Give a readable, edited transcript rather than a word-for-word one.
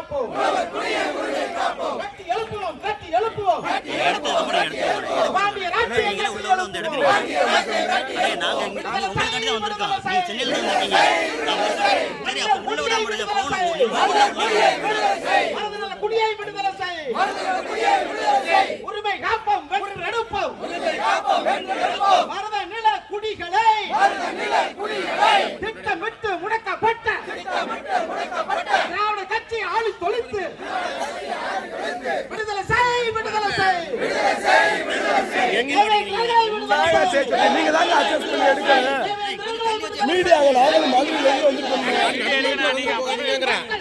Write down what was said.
காப்போம். கட்டி எழுப்புவோம், கட்டி எழுப்புவோம். பாண்டிய ராஜ்ஜியத்தை எழுப்புவோம். குடியை விடுதலை செய். உரிமை காப்போம், வென்றெடுப்போம். மருத நில குடிகளை திட்டமிட்டு முடக்கப்பட்ட திராவிட கட்சி ஆளி தொலைத்து விடுதலை செய், விடுதலை செய். நீங்க தாங்க அட்ஜஸ்ட் பண்ணி எடுக்கணும். மீடியாவில் நாங்களும் மதுரையில் வந்துருக்கோம்.